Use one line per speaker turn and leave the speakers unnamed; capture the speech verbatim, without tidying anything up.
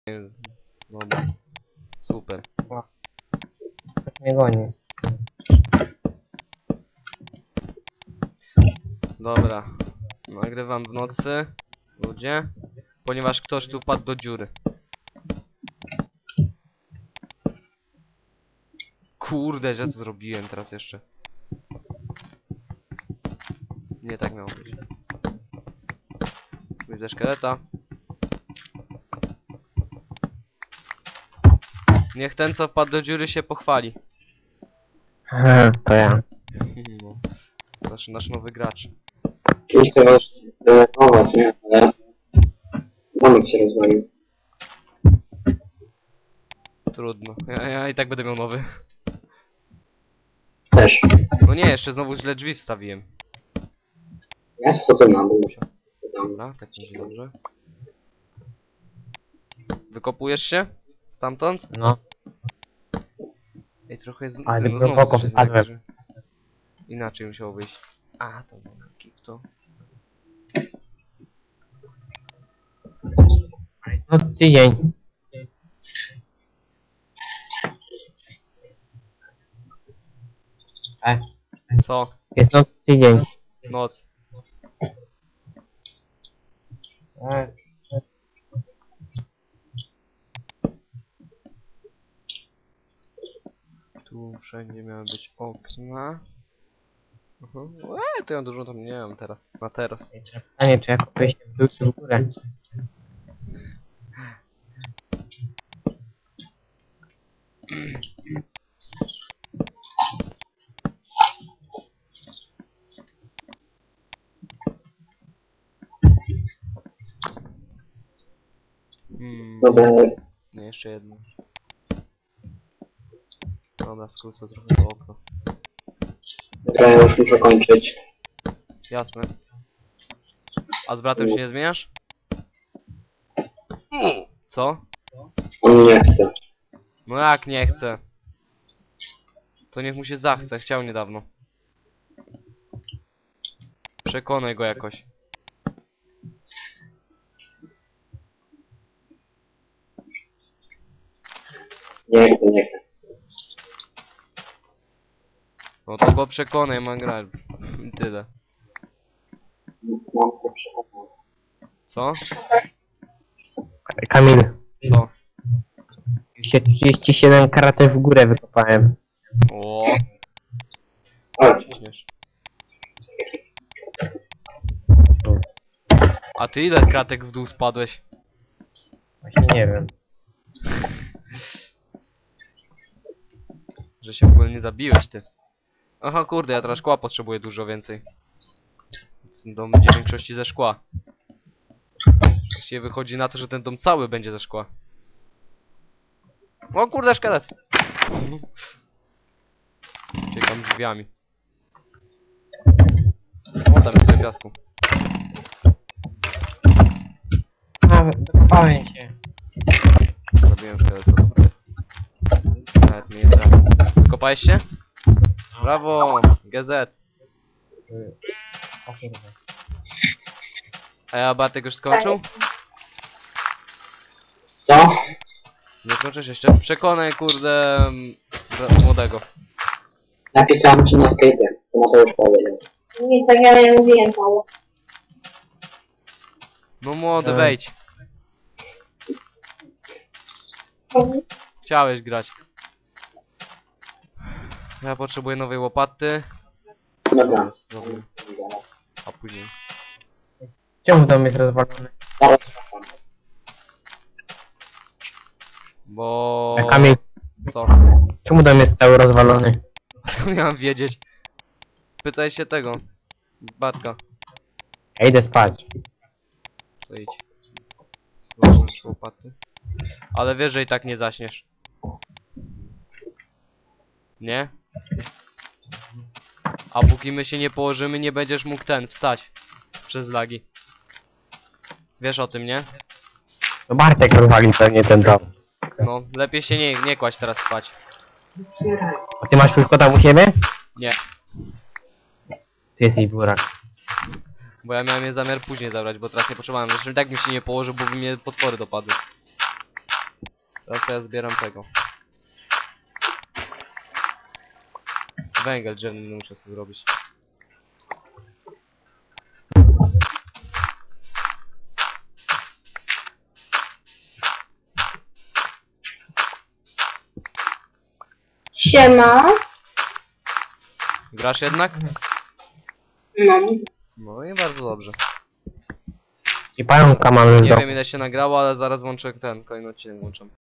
Dobra. Super.
Nie goni.
Dobra. Nagrywam w nocy. Ludzie. Ponieważ ktoś tu wpadł do dziury. Kurde, że to zrobiłem teraz jeszcze. Nie tak miało być. Widzę szkieleta. Niech ten, co wpadł do dziury, się pochwali.
To ja.
No. Nasz, nasz nowy gracz.
Nie chcę was denerwować, nie? Ale domek się rozwalił.
Trudno. Ja, ja i tak będę miał nowy.
Też.
No nie, jeszcze znowu źle drzwi wstawiłem.
Ja schodzę na dół. Co tam?
Dobra, tak będzie dobrze. Wykopujesz się? Stamtąd?
No.
Ej, trochę jest...
Ale
no,
głęboko
coś jest takie,
wpadłem.
że... Inaczej musiało wyjść. A, to dobra, to...
No tydzień. E,
Co?
jest noc tydzień.
Noc.
E,
Tu wszędzie miały być okna. Mhm. Eee, to ja dużo tam nie mam teraz. Na teraz.
Pytanie, czy ja kupię się w dół czy w górę?
Hmm.
Dobra,
Nie, jeszcze jedno. Dobra, skrócę trochę to okno.
dobra, ja już muszę kończyć.
Jasne. A z bratem się nie zmieniasz? Co?
On nie chce.
No jak nie chce? To niech mu się zachce, chciał niedawno. Przekonaj go jakoś.
Nie chce, nie chce.
No to go przekonaj, ma grać. I tyle.
Mam to przekonane.
Co?
Kamil,
Co?
już się trzydzieści siedem kratek w górę wykopałem.
O,
O,
ciśniesz. A ty ile kratek w dół spadłeś?
Właśnie nie wiem.
Że się w ogóle nie zabiłeś ty. Aha, kurde, ja teraz szkła potrzebuję dużo więcej. Dom będzie w większości ze szkła. Właściwie wychodzi na to, że ten dom cały będzie ze szkła. O kurde, szkielet! Uciekam drzwiami. O, tam jest tyle piasku.
A, wykopałem się.
Zabiłem szkielet, to dobra jest. Nawet mnie nie trafił. Kopałeś się? Brawo! G Z!
O kurde.
A ja Bartek już skończył?
co?
Nie skończysz jeszcze? Przekonaj kurde... m, bra- młodego.
Napisałem ci na sklepie. To na to już powiedział.
Nie, tak ja nie mówiłem Paweł.
No młody,
E.
wejdź. Chciałeś grać. Ja potrzebuję nowej łopaty.
Dobra.
Zrobię. A później.
Czemu dom jest rozwalony?
Zaraz wracam.
Bo...
E, Kamil,
Co?
czemu dom jest cały rozwalony?
Miałem wiedzieć. Pytaj się tego. Bartka.
Ja idę spać.
To idź. Złożyć łopaty. Ale wiesz, że i tak nie zaśniesz. Nie? A póki my się nie położymy, nie będziesz mógł ten wstać. Przez lagi. Wiesz o tym, nie?
To Bartek rozwalił pewnie ten dom.
No, lepiej się nie, nie kłaść teraz spać.
A ty masz wszystko tam u siebie?
Nie.
Ty jesteś burak.
Bo ja miałem je zamiar później zabrać, bo teraz nie potrzebowałem. Zresztą i tak mi się nie położył, bo by mnie potwory dopadły. Teraz to ja zbieram tego. Węgiel drzewny muszę sobie zrobić.
Siema.
Grasz jednak?
No.
No i bardzo dobrze.
I pająka mamy w
Nie
domu.
wiem ile się nagrało, ale zaraz włączę ten, kolejny odcinek włączam.